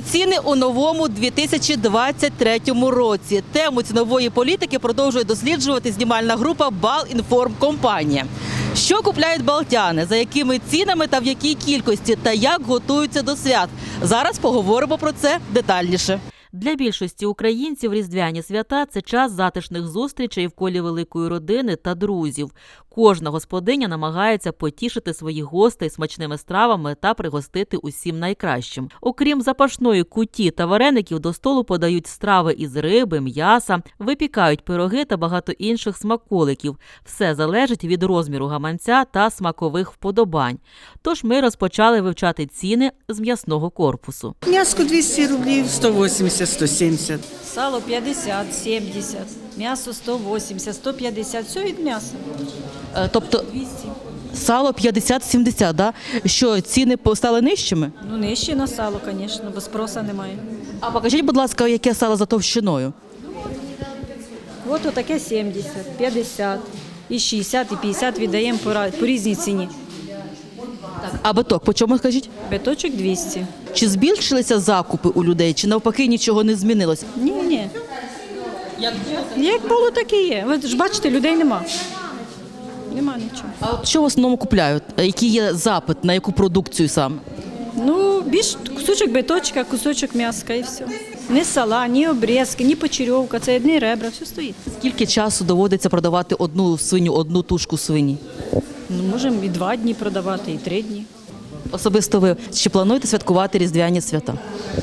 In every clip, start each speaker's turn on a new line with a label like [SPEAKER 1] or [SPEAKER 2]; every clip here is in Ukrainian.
[SPEAKER 1] ціни у новому 2023 році. Тему цінової політики продовжує досліджувати знімальна група «Балінформкомпанія». Що купляють балтяни, за якими цінами та в якій кількості, та як готуються до свят? Зараз поговоримо про це детальніше.
[SPEAKER 2] Для більшості українців різдвяні свята – це час затишних зустрічей в колі великої родини та друзів. Кожна господиня намагається потішити своїх гостей смачними стравами та пригостити усім найкращим. Окрім запашної куті та вареників, до столу подають страви із риби, м'яса, випікають пироги та багато інших смаколиків. Все залежить від розміру гаманця та смакових вподобань. Тож ми розпочали вивчати ціни з м'ясного корпусу.
[SPEAKER 3] М'яско 200 рублів, 180, 170.
[SPEAKER 4] Сало 50, 70, м'ясо 180, 150, все від м'яса.
[SPEAKER 1] Тобто
[SPEAKER 4] 200.
[SPEAKER 1] сало 50-70, да? Що ціни стали нижчими?
[SPEAKER 4] Ну, нижче на сало, звісно, бо спроса немає.
[SPEAKER 1] А покажіть, будь ласка, яке сало за товщиною?
[SPEAKER 4] От отаке 70, 50, і 60, і 50 віддаємо по різній ціні.
[SPEAKER 1] А биток, по чому скажіть?
[SPEAKER 4] Биточок 200.
[SPEAKER 1] Чи збільшилися закупи у людей, чи навпаки нічого не змінилося?
[SPEAKER 4] Ні. Як було, так і є. Ви ж бачите, людей нема. Нема нічого.
[SPEAKER 1] А от що в основному купляють? Який є запит, на яку продукцію саме?
[SPEAKER 4] Ну, більш кусочок биточка, кусочок м'яска і все. Ні сала, ні обрізки, ні почерьовка, це одні ребра, все стоїть.
[SPEAKER 1] Скільки часу доводиться продавати одну свиню, одну тушку свині?
[SPEAKER 4] Ну, можемо і 2 дні продавати, і 3 дні.
[SPEAKER 1] Особисто ви, чи плануєте святкувати різдвяні свята?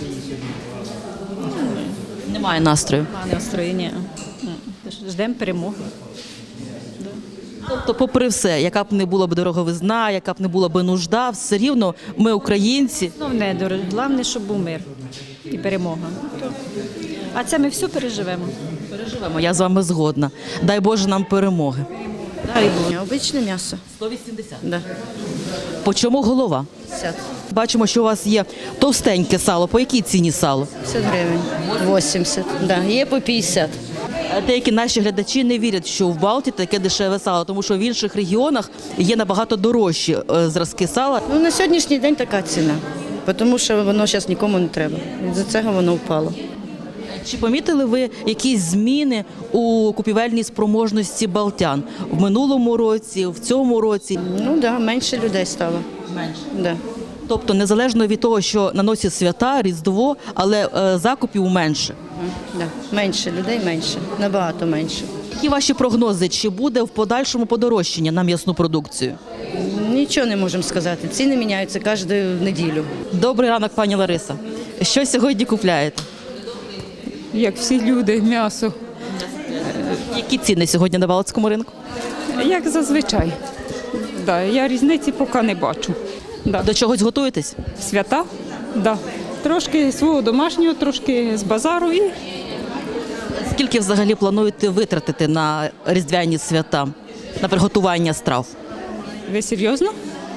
[SPEAKER 1] Немає настрою.
[SPEAKER 4] Немає настроєння. Ждемо перемоги.
[SPEAKER 1] Тобто, попри все, яка б не була б дороговизна, яка б не була б нужда, все рівно ми, українці.
[SPEAKER 4] Головне, головне, щоб був мир і перемога. А це ми все переживемо.
[SPEAKER 1] Переживемо, я з вами згодна. Дай Боже нам перемоги.
[SPEAKER 3] Обичне м'ясо.
[SPEAKER 1] 180.
[SPEAKER 3] Да.
[SPEAKER 1] По чому голова?
[SPEAKER 3] 50.
[SPEAKER 1] Бачимо, що у вас є товстеньке сало. По якій ціні сало?
[SPEAKER 3] 50 гривень. 80. Да. Є по 50.
[SPEAKER 1] Деякі наші глядачі не вірять, що в Балті таке дешеве сало, тому що в інших регіонах є набагато дорожчі зразки сала.
[SPEAKER 3] Ну, на сьогоднішній день така ціна, тому що воно зараз нікому не треба. З-за цього воно впало.
[SPEAKER 1] Чи помітили ви якісь зміни у купівельній спроможності балтян в минулому році, в цьому році?
[SPEAKER 3] Ну так, да, менше людей стало.
[SPEAKER 1] Менше.
[SPEAKER 3] Да.
[SPEAKER 1] Тобто незалежно від того, що на носі свята, Різдво, але закупів менше.
[SPEAKER 3] Да. Менше людей, менше, набагато менше.
[SPEAKER 1] Які ваші прогнози? Чи буде в подальшому подорожчання на м'ясну продукцію?
[SPEAKER 3] Нічого не можемо сказати. Ціни міняються кожну неділю.
[SPEAKER 1] Добрий ранок, пані Лариса. Що сьогодні купляєте?
[SPEAKER 5] Як всі люди, м'ясо,
[SPEAKER 1] Які ціни сьогодні на Балтському ринку?
[SPEAKER 5] як зазвичай. Да, я різниці поки не бачу. Да.
[SPEAKER 1] До чогось готуєтесь?
[SPEAKER 5] Свята, да. Трошки свого домашнього, трошки з базару і
[SPEAKER 1] Скільки взагалі плануєте витратити на різдвяні свята, на приготування страв?
[SPEAKER 5] ви серйозно?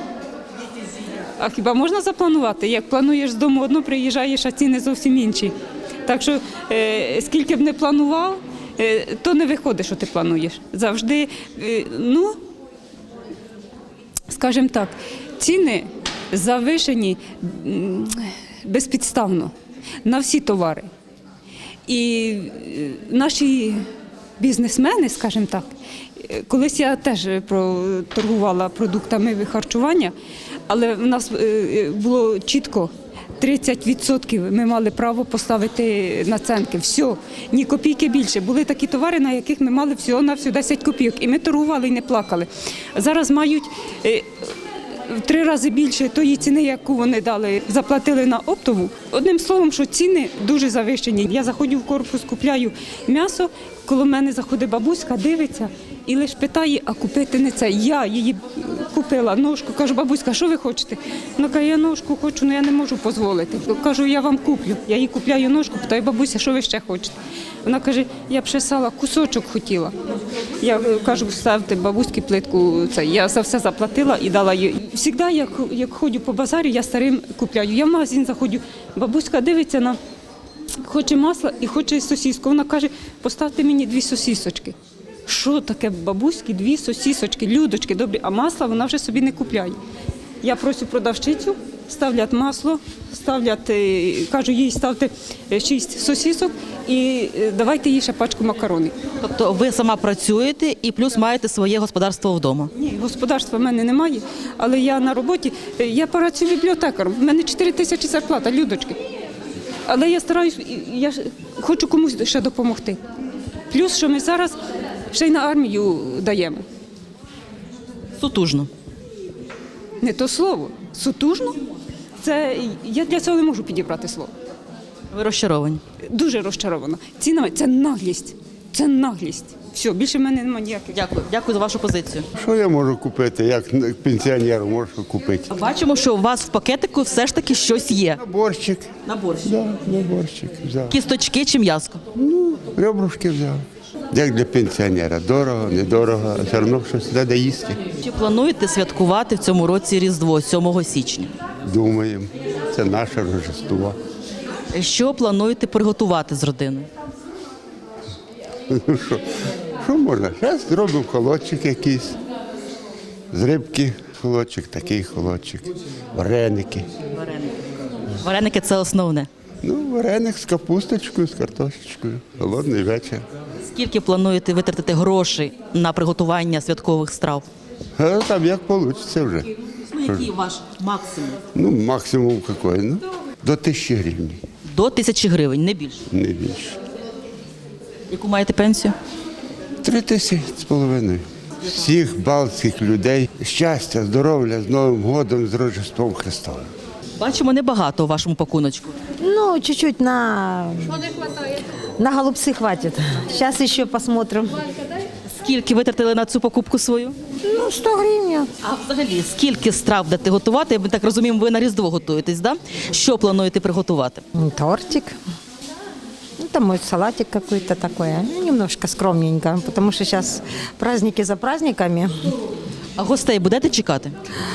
[SPEAKER 5] А хіба можна запланувати? Як плануєш з дому одно, приїжджаєш, а ціни зовсім інші. Так що скільки б не планував, то не виходить, що ти плануєш. Завжди, ну, скажімо так, ціни завишені безпідставно на всі товари. І наші бізнесмени, скажімо так, колись я теж торгувала продуктами харчування, але в нас було чітко 30% ми мали право поставити націнки. Все, ні копійки більше. Були такі товари, на яких ми мали всього-навсього 10 копійок. І ми торгували і не плакали. Зараз мають в 3 рази більше тої ціни, яку вони дали, заплатили на оптову. Одним словом, що ціни дуже завищені. Я заходжу в корпус, купляю м'ясо, коло мене заходить бабуська, дивиться і лише питає, а купити не це. Я її купила ножку, кажу, бабуська, що ви хочете? Вона каже, я ножку хочу, але я не можу дозволити. Кажу, я вам куплю. Я їй купляю ножку, питаю, бабуся, що ви ще хочете? Вона каже, я б ще сала кусочок хотіла. Я кажу, ставте бабуськи плитку, це. Я за все заплатила і дала їй. Завжди, як ходжу по базарі, я старим купляю. Я в магазин заходжу, бабуська дивиться на, хоче масла і хоче сосиску. Вона каже, поставте мені 2 сосисочки. Що таке бабуськи, 2 сосисочки, людочки, добрі, а масла вона вже собі не купляє. Я прошу продавчицю, ставлять масло, ставлять, кажу, їй ставте 6 сосисок і давайте їй ще пачку макаронів.
[SPEAKER 1] Тобто ви сама працюєте і плюс маєте своє господарство вдома.
[SPEAKER 5] Ні, господарства в мене немає, але я на роботі, я працюю бібліотекаром, в мене 4 тисячі зарплата, Людочки. Але я стараюсь, я хочу комусь ще допомогти. Плюс, що ми зараз ще й на армію даємо.
[SPEAKER 1] Сутужно.
[SPEAKER 5] Не то слово. Сутужно? Це, я для цього не можу підібрати слово.
[SPEAKER 1] Ви розчаровані.
[SPEAKER 5] Дуже розчарована. Ціна – це наглість. Це наглість. Все, більше в мене немає ніяких.
[SPEAKER 1] Дякую. Дякую за вашу позицію.
[SPEAKER 6] Що я можу купити? Як пенсіонер можу купити?
[SPEAKER 1] Бачимо, що у вас в пакетику все ж таки щось є.
[SPEAKER 6] Борщик.
[SPEAKER 1] На борщ.
[SPEAKER 6] Да, на борщик взяв.
[SPEAKER 1] Кісточки чи м'язко?
[SPEAKER 6] Ребрушки взяв. Як для пенсіонера. Дорого, недорого, а все одно щось треба їсти.
[SPEAKER 1] Чи плануєте святкувати в цьому році Різдво 7 січня?
[SPEAKER 6] Думаємо. Це наше Рождество.
[SPEAKER 1] Що плануєте приготувати з родиною?
[SPEAKER 6] Ну що можна? Зараз зробимо холодчик якийсь. З рибки холодчик, такий холодчик. Вареники.
[SPEAKER 1] Вареники – це основне.
[SPEAKER 6] Ну, вареник з капусточкою, з картошечкою. Холодний вечір.
[SPEAKER 1] Скільки плануєте витратити грошей на приготування святкових страв?
[SPEAKER 6] А там як вийде вже.
[SPEAKER 1] Ну, який ваш максимум?
[SPEAKER 6] Ну, максимум який? Ну, до 1000 гривень,
[SPEAKER 1] До 1000 гривень, не більше.
[SPEAKER 6] не більше.
[SPEAKER 1] Яку маєте пенсію?
[SPEAKER 6] 3500. Всіх балтських людей щастя, здоров'я, з Новим годом, з Рождеством Христовим.
[SPEAKER 1] Бачимо небагато у вашому пакуночку.
[SPEAKER 7] Ну, чуть-чуть на голубцы хватит. Сейчас еще посмотрим.
[SPEAKER 1] Скільки витратили на цю покупку свою?
[SPEAKER 7] Ну, 100 гривен.
[SPEAKER 1] А взагалі, скільки страв будете готувати? Ми так розуміємо, ви на Різдво готуєтесь, да? Що плануєте приготувати?
[SPEAKER 7] Тортик. Ну, там мой салатик какой-то такой. Ну, немножко скромненько, потому что сейчас праздники за праздниками.
[SPEAKER 1] А гостей будете чекати?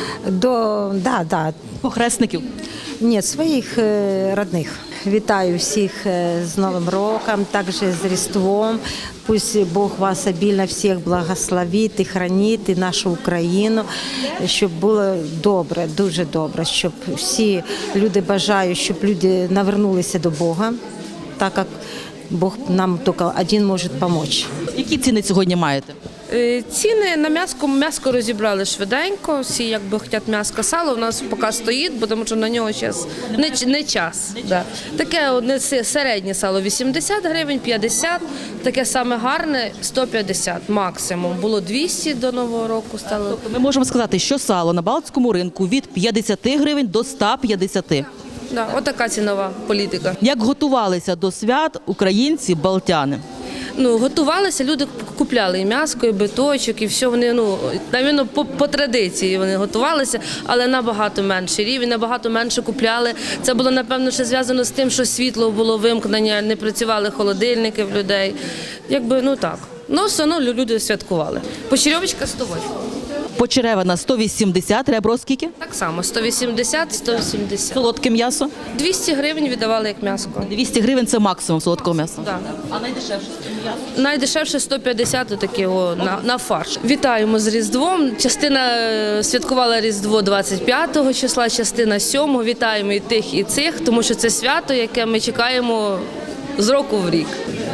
[SPEAKER 7] Да.
[SPEAKER 1] Похресників?
[SPEAKER 7] Нет, своїх родних. Вітаю всіх з Новим роком, також з Різдвом. Пусть Бог вас обільно всіх благословить і хранить, і нашу Україну, щоб було добре, дуже добре, щоб всі люди бажають, щоб люди навернулися до Бога, так як Бог нам тільки один може допомогти.
[SPEAKER 1] Які ціни сьогодні маєте?
[SPEAKER 8] Ціни на м'ясо розібрали швиденько, всі якби хочуть м'ясо, сало, у нас поки стоїть, бо тому що на нього зараз не час. Да. Таке одне середнє сало 80 гривень, 50, таке саме гарне 150 максимум. Було 200 до Нового року стало.
[SPEAKER 1] Тобто ми можемо сказати, що сало на Балтському ринку від 50 гривень до 150.
[SPEAKER 8] Да, отака цінова політика.
[SPEAKER 1] Як готувалися до свят українці, балтяни?
[SPEAKER 8] Ну, готувалися, люди купляли і м'ясо, і биточок, і все вони, навіть по традиції вони готувалися, але набагато менший рівень, набагато менше купляли. Це було, напевно, ще зв'язано з тим, що світло було вимкнення, не працювали холодильники в людей. Якби, так. Ну, все одно люди святкували. Почерьовочка 108.
[SPEAKER 1] Почеревина 180, ребро скільки?
[SPEAKER 8] Так само, 180, 180.
[SPEAKER 1] Солодке м'ясо?
[SPEAKER 8] 200 гривень віддавали як м'ясо.
[SPEAKER 1] 200 гривень – це максимум солодкого м'яса.
[SPEAKER 8] Так.
[SPEAKER 1] А найдешевше?
[SPEAKER 8] Найдешевше 150 такі на фарш. Вітаємо з Різдвом. Частина святкувала Різдво 25 числа, частина 7. Вітаємо і тих, і цих, тому що це свято, яке ми чекаємо з року в рік.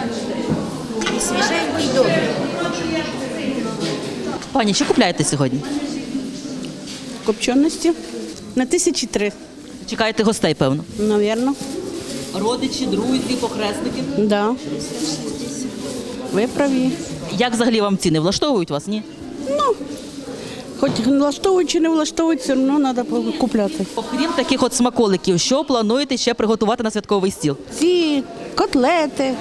[SPEAKER 1] Пані, що купляєте сьогодні?
[SPEAKER 9] Копченості на 1003,
[SPEAKER 1] Чекаєте гостей, певно?
[SPEAKER 9] навірно.
[SPEAKER 1] Родичі, друзі, похресники.
[SPEAKER 9] Да. Ви праві.
[SPEAKER 1] Як взагалі вам ціни? Влаштовують вас, ні?
[SPEAKER 9] Хоч влаштовують чи не влаштовують, все одно треба купляти.
[SPEAKER 1] Окрім таких от смаколиків, що плануєте ще приготувати на святковий стіл?
[SPEAKER 9] Ці котлети.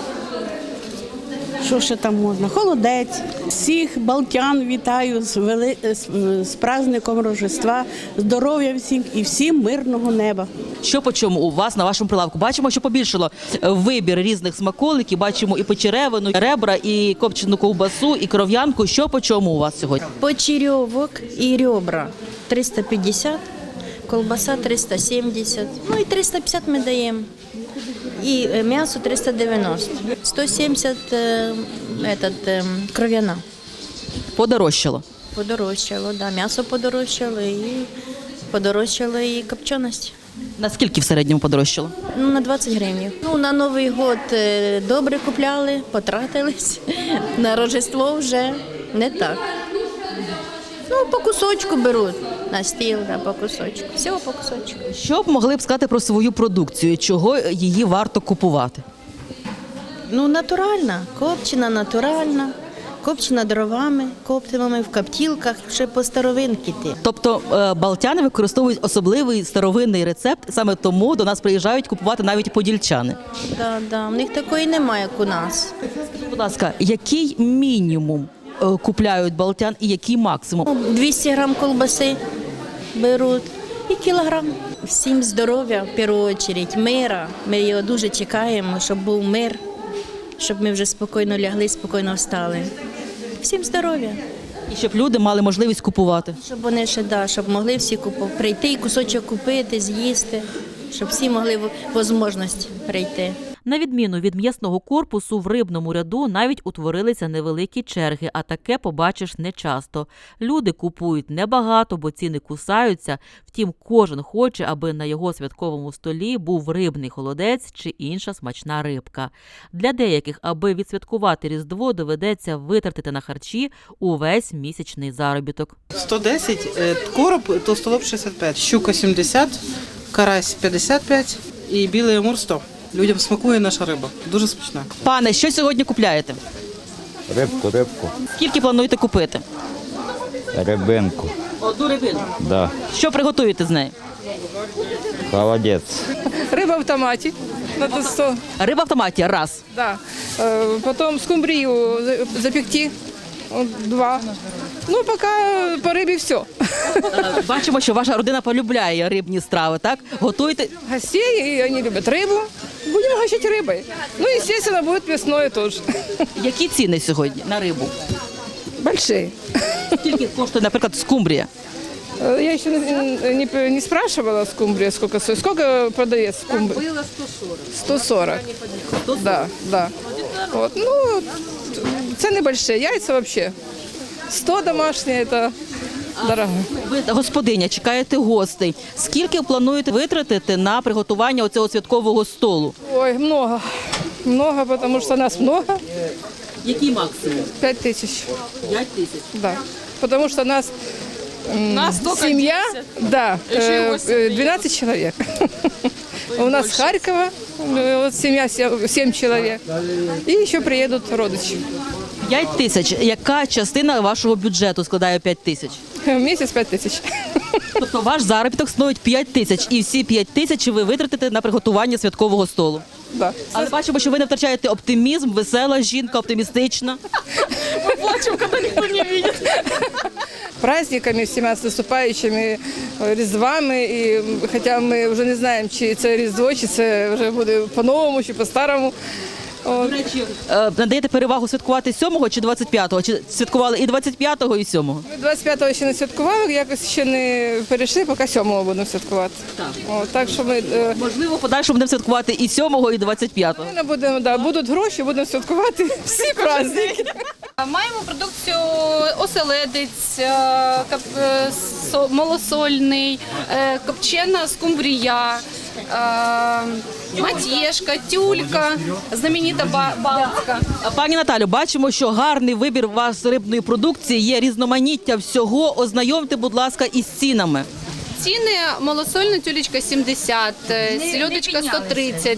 [SPEAKER 9] Що ще там можна? Холодець. Всіх балтян вітаю з праздником Рождества, здоров'я всім і всім мирного неба.
[SPEAKER 1] Що по чому у вас на вашому прилавку? Бачимо, що побільшало вибір різних смаколиків, бачимо і почеревину, і ребра, і копчену ковбасу, і кров'янку. Що по чому у вас сьогодні?
[SPEAKER 10] Почеревок и ребра 350, колбаса 370, ну и 350 мы даем. И мясо 390, 170 кров'яна.
[SPEAKER 1] Подорожчало.
[SPEAKER 10] Подорожчало, да, мясо подорожчало и Подорожчала і копченість.
[SPEAKER 1] Наскільки в середньому подорожчало?
[SPEAKER 10] Ну, на 20 гривень. Ну, на Новий год добре купляли, потратились. На Рождество вже не так. Ну, по кусочку беруть на стіл, да, по кусочку. Всього по кусочку.
[SPEAKER 1] Що б могли б сказати про свою продукцію? Чого її варто купувати?
[SPEAKER 10] Ну, натуральна, копчена натуральна, копчена дровами, коптимами в коптілках, ще по старовинки ти.
[SPEAKER 1] Тобто балтяни використовують особливий старовинний рецепт, саме тому до нас приїжджають купувати навіть подільчани.
[SPEAKER 10] Да, в них такої немає, як у нас.
[SPEAKER 1] Будь ласка, який мінімум купляють балтян і який максимум?
[SPEAKER 10] 200 грам колбаси беруть і кілограм. Всім здоров'я, в першу чергу, мира. Ми його дуже чекаємо, щоб був мир, щоб ми вже спокійно лягли, спокійно встали. Всім здоров'я.
[SPEAKER 1] І щоб люди мали можливість купувати.
[SPEAKER 10] Щоб вони ще, щоб могли всі прийти і кусочок купити, з'їсти, щоб всі могли можливість прийти.
[SPEAKER 2] На відміну від м'ясного корпусу, в рибному ряду навіть утворилися невеликі черги, а таке побачиш нечасто. Люди купують небагато, бо ціни кусаються, втім кожен хоче, аби на його святковому столі був рибний холодець чи інша смачна рибка. Для деяких, аби відсвяткувати Різдво, доведеться витратити на харчі увесь місячний заробіток.
[SPEAKER 11] 110, короб, толстолоб 65, щука 70, карась 55 і білий амур 100. Людям смакує наша риба, дуже смачна.
[SPEAKER 1] Пане, що сьогодні купляєте?
[SPEAKER 12] Рибку.
[SPEAKER 1] Скільки плануєте купити?
[SPEAKER 12] Рибинку.
[SPEAKER 1] Одну рибину.
[SPEAKER 12] Да.
[SPEAKER 1] Що приготуєте з нею?
[SPEAKER 12] Холодець.
[SPEAKER 13] Рыба в томате. Надо 100.
[SPEAKER 1] Риба в томаті – раз.
[SPEAKER 13] Да. Потом скумбрию запекти. 2. Ну, пока по рыбе все.
[SPEAKER 1] Бачимо, що ваша родина полюбляє рибні страви, так? Готуєте?
[SPEAKER 13] Гостей, и они любят рыбу. Будем угощать рыбой. Ну, естественно, будет мясное тоже.
[SPEAKER 1] Які ціни сьогодні на рибу?
[SPEAKER 13] Большие.
[SPEAKER 1] Скільки коштує, наприклад, скумбрія?
[SPEAKER 13] Я еще не спрашивала скумбрия, сколько стоит. Сколько продает скумбрия?
[SPEAKER 8] Было 140.
[SPEAKER 13] 140. Да. Вот. Ну, цены большие. Яйца вообще. 100 домашние, это дорого.
[SPEAKER 1] Ви господиня, чекаєте гостей. Скільки плануєте витратити на приготування оцього святкового столу?
[SPEAKER 13] Ой, много. Много, потому что нас много.
[SPEAKER 1] Який максимум?
[SPEAKER 13] 5000.
[SPEAKER 1] 5 тисяч.
[SPEAKER 13] Да. Потому что нас семья, да, 12 человек. У нас с Харькова, вот семья 7 человек. И еще приедут родичи.
[SPEAKER 1] 5 тисяч. Яка частина вашого бюджету складає 5 тисяч?
[SPEAKER 13] В месяц 5000.
[SPEAKER 1] Тобто ваш заробіток становить 5 тисяч, і всі 5 тисяч ви витратите на приготування святкового столу.
[SPEAKER 13] Да.
[SPEAKER 1] Але бачимо, що ви не втрачаєте оптимізм, весела жінка, оптимістична. Ми плачемо, коли ніхто не бачить.
[SPEAKER 13] Праздниками всіма з наступаючими Різдвами. І хоча ми вже не знаємо, чи це Різдво, чи це вже буде по-новому, чи по-старому.
[SPEAKER 1] До речі, надаєте перевагу святкувати 7-го чи 25-го? Чи святкували і 25-го, і 7-го?
[SPEAKER 13] Ми 25-го ще не святкували, якось ще не перейшли, поки 7-го будемо святкувати. Так що ми...
[SPEAKER 1] Можливо, в подальшому будемо святкувати і 7-го, і 25-го.
[SPEAKER 13] Ми будемо, будуть гроші, будемо святкувати всі праздники.
[SPEAKER 14] Маємо продукцію оселедець, малосольний, копчена скумбрія, матєшка, тюлька, знаменита балтська.
[SPEAKER 1] Пані Наталю, бачимо, що гарний вибір у вас рибної продукції, є різноманіття всього. Ознайомте, будь ласка, із цінами.
[SPEAKER 14] Ціни: малосольна тюлечка 70, сельодочка 130,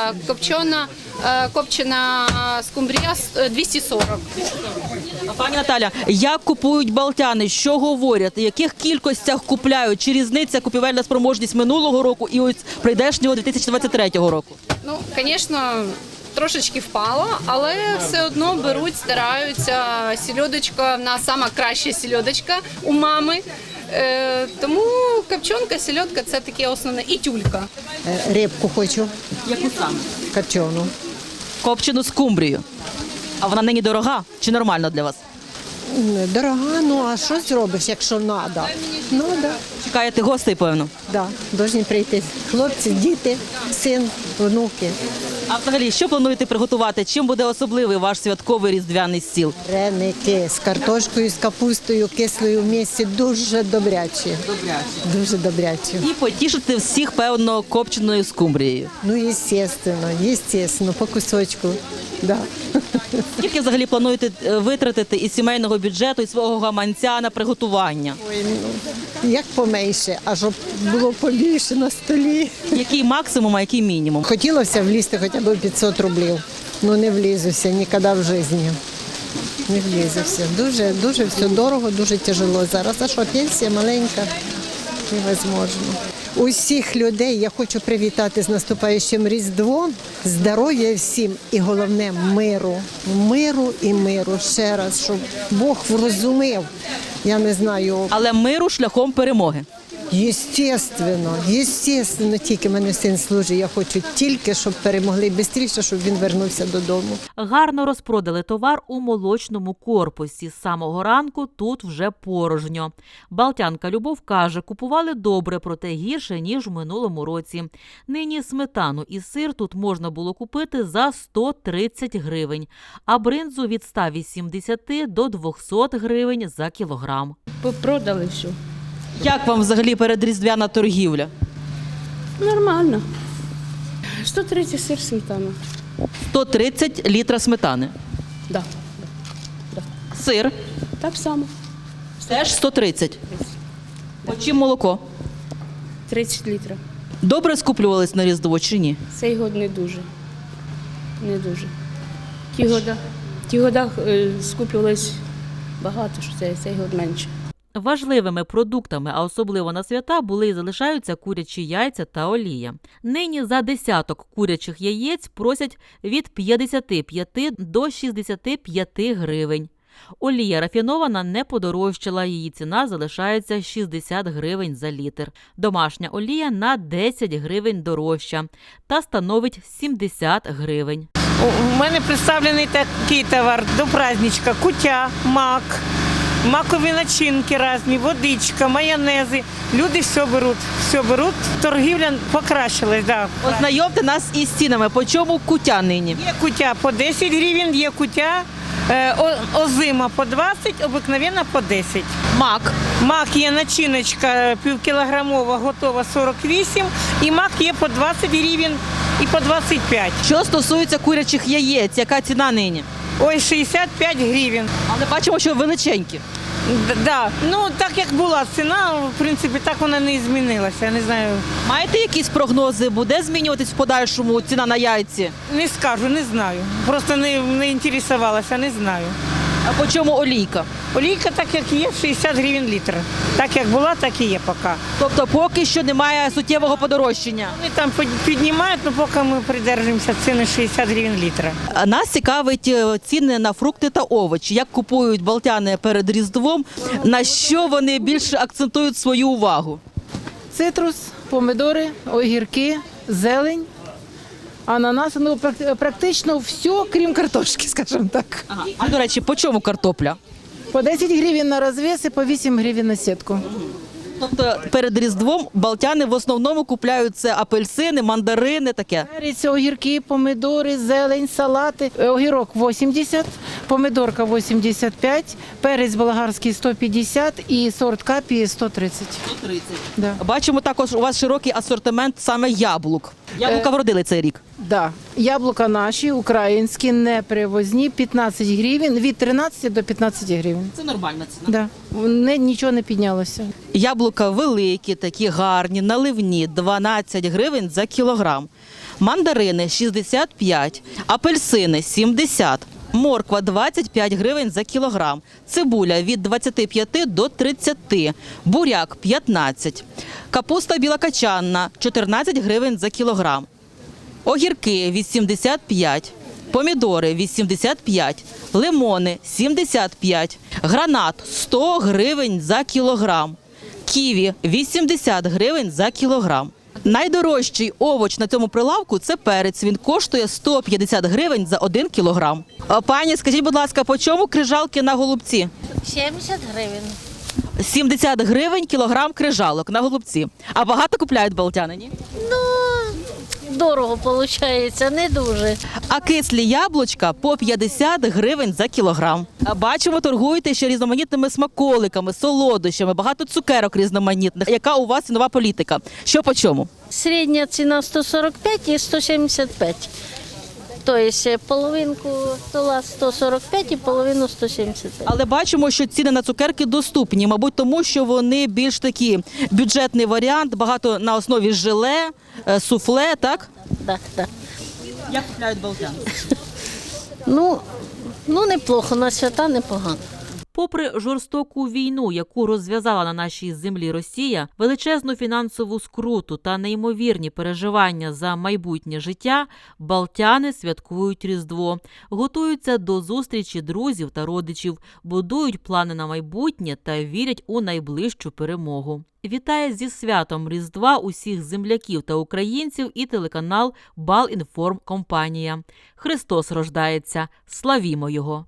[SPEAKER 14] копчена скумбрія 240.
[SPEAKER 1] Пані Наталя, як купують балтяни, що говорять, в яких кількостях купляють, чи різниця купівельна спроможність минулого року і ось прийдешнього 2023 року?
[SPEAKER 14] Ну, звісно, трошечки впало, але все одно беруть, стараються. Сельодочка, в нас сама краща сельодочка у мами. Тому копчонка, сельодка – це таке основне. І тюлька.
[SPEAKER 7] Рибку хочу.
[SPEAKER 1] Яку саме?
[SPEAKER 7] Копчену.
[SPEAKER 1] Копчену скумбрію. А вона нині дорога чи нормально для вас?
[SPEAKER 7] Дорога, ну а що зробиш, якщо треба? Ну, да.
[SPEAKER 1] Чекаєте гостей, певно?
[SPEAKER 7] Да, повинні прийти хлопці, діти, син, внуки.
[SPEAKER 1] А взагалі, що плануєте приготувати? Чим буде особливий ваш святковий різдвяний стіл?
[SPEAKER 7] Вареники з картошкою, з капустою, кислою в місці дуже добрячі. Дуже добрячі.
[SPEAKER 1] І потішити всіх, певно, копченою скумбрією.
[SPEAKER 7] Ну, естественно, по кусочку. Да.
[SPEAKER 1] Скільки взагалі плануєте витратити із сімейного бюджету, із свого гаманця на приготування?
[SPEAKER 7] Ой, ну, як поменше, а щоб було побільше на столі.
[SPEAKER 1] Який максимум, а який мінімум?
[SPEAKER 7] Хотілося влізти хоча б 500 рублів. Ну не влізуся ніколи в житті. Не влізуся. Дуже все дорого, дуже тяжело зараз. А що, пенсія маленька? Невозможно. Усіх людей я хочу привітати з наступаючим Різдвом, здоров'я всім і головне миру. Миру і миру. Ще раз, щоб Бог врозумів. Я не знаю.
[SPEAKER 1] Але миру шляхом перемоги.
[SPEAKER 7] Єстественно, тільки мене син служить. Я хочу тільки, щоб перемогли швидше, щоб він вернувся додому.
[SPEAKER 2] Гарно розпродали товар у молочному корпусі. З самого ранку тут вже порожньо. Балтянка Любов каже, купували добре, проте гірше, ніж в минулому році. Нині сметану і сир тут можна було купити за 130 гривень, а бринзу від 180 до 200 гривень за кілограм.
[SPEAKER 9] Продали все.
[SPEAKER 1] Як вам взагалі передріздвяна торгівля?
[SPEAKER 9] Нормально. 130 сир, сметана.
[SPEAKER 1] 130 літра сметани.
[SPEAKER 9] Да.
[SPEAKER 1] Сир
[SPEAKER 9] Так само.
[SPEAKER 1] теж 130. По чим молоко?
[SPEAKER 9] 30 літрів.
[SPEAKER 1] Добре скуплювались на Різдво чи ні?
[SPEAKER 9] Цей год не дуже. Не дуже. Ті года скуплювалось багато, що цей год менше.
[SPEAKER 2] Важливими продуктами, а особливо на свята, були і залишаються курячі яйця та олія. Нині за десяток курячих яєць просять від 55 до 65 гривень. Олія рафінована не подорожчала, її ціна залишається 60 гривень за літр. Домашня олія на 10 гривень дорожча та становить 70 гривень.
[SPEAKER 15] У мене представлений такий товар до праздничка: куття, мак, макові начинки різні, водичка, майонези. Люди все беруть. Торгівля покращилась. Да.
[SPEAKER 1] Ознайомте нас із цінами. По чому куття нині?
[SPEAKER 15] Є куття по 10 гривень, є куття озима по 20, обикновенна по 10.
[SPEAKER 1] Мак.
[SPEAKER 15] Мак є начиночка півкілограмова, готова 48, і мак є по 20 гривень і по 25.
[SPEAKER 1] Що стосується курячих яєць, яка ціна нині?
[SPEAKER 15] Ой, 65 гривень.
[SPEAKER 1] Але бачимо, що величенькі.
[SPEAKER 15] Да. Ну, так як була ціна, в принципі, так вона не змінилася. Я не знаю.
[SPEAKER 1] Маєте якісь прогнози? Буде змінюватись в подальшому ціна на яйці?
[SPEAKER 15] Не скажу, не знаю. Просто не інтересувалася, не знаю.
[SPEAKER 1] А по чому олійка?
[SPEAKER 15] Олійка так як є, 60 гривень літр. Так як була, так і є поки.
[SPEAKER 1] Тобто поки що немає суттєвого подорожчання?
[SPEAKER 15] Вони там піднімають, але поки ми придержуємося ціни 60 гривень літра.
[SPEAKER 1] Нас цікавить ціни на фрукти та овочі. Як купують балтяни перед Різдвом, на що вони більше акцентують свою увагу?
[SPEAKER 16] Цитрус, помидори, огірки, зелень, ананас, ну практично все, крім картошки, скажімо так.
[SPEAKER 1] Ага. А, до речі, по чому картопля?
[SPEAKER 16] По 10 гривень на розвес і по 8 гривень на сітку.
[SPEAKER 1] Тобто перед Різдвом балтяни в основному купляють це апельсини, мандарини, таке?
[SPEAKER 16] Перець, огірки, помидори, зелень, салати. Огірок 80, помидорка 85, перець болгарський 150 і сорт капі 130.
[SPEAKER 1] 130.
[SPEAKER 16] Да.
[SPEAKER 1] Бачимо також у вас широкий асортимент саме яблук. Яблука вродили цей рік?
[SPEAKER 16] Да. Яблука наші, українські, не привозні, 15 гривень, від 13 до 15 гривень.
[SPEAKER 1] Це нормальна ціна.
[SPEAKER 16] Да. Нічого не піднялося.
[SPEAKER 1] Яблука великі, такі гарні, наливні, 12 гривень за кілограм. Мандарини 65, апельсини 70, морква 25 гривень за кілограм, цибуля від 25 до 30, буряк 15, капуста білокачанна 14 гривень за кілограм, огірки 85, помідори 85, лимони 75, гранат 100 гривень за кілограм, ківі 80 гривень за кілограм. Найдорожчий овоч на цьому прилавку – це перець. Він коштує 150 гривень за 1 кілограм. Пані, скажіть, будь ласка, по чому крижалки на голубці?
[SPEAKER 17] 70 гривень.
[SPEAKER 1] 70 гривень кілограм крижалок на голубці. А багато купляють балтяни, ні?
[SPEAKER 17] Ну, дорого виходить, не дуже.
[SPEAKER 1] А кислі яблучка по 50 гривень за кілограм. А бачимо, торгуєте ще різноманітними смаколиками, солодощами, багато цукерок різноманітних. Яка у вас цінова політика? Що по чому?
[SPEAKER 17] Середня ціна 145 і 175. Тобто половинку стола 145 і половину 175.
[SPEAKER 1] Але бачимо, що ціни на цукерки доступні, мабуть, тому що вони більш такі бюджетний варіант, багато на основі желе, суфле, так?
[SPEAKER 17] Так, так.
[SPEAKER 1] Як купляють балтяни?
[SPEAKER 17] Ну, неплохо, на свята непогано.
[SPEAKER 2] Попри жорстоку війну, яку розв'язала на нашій землі Росія, величезну фінансову скруту та неймовірні переживання за майбутнє життя, балтяни святкують Різдво, готуються до зустрічі друзів та родичів, будують плани на майбутнє та вірять у найближчу перемогу. Вітає зі святом Різдва усіх земляків та українців і телеканал Балінформкомпанія. Христос рождається! Славімо Його!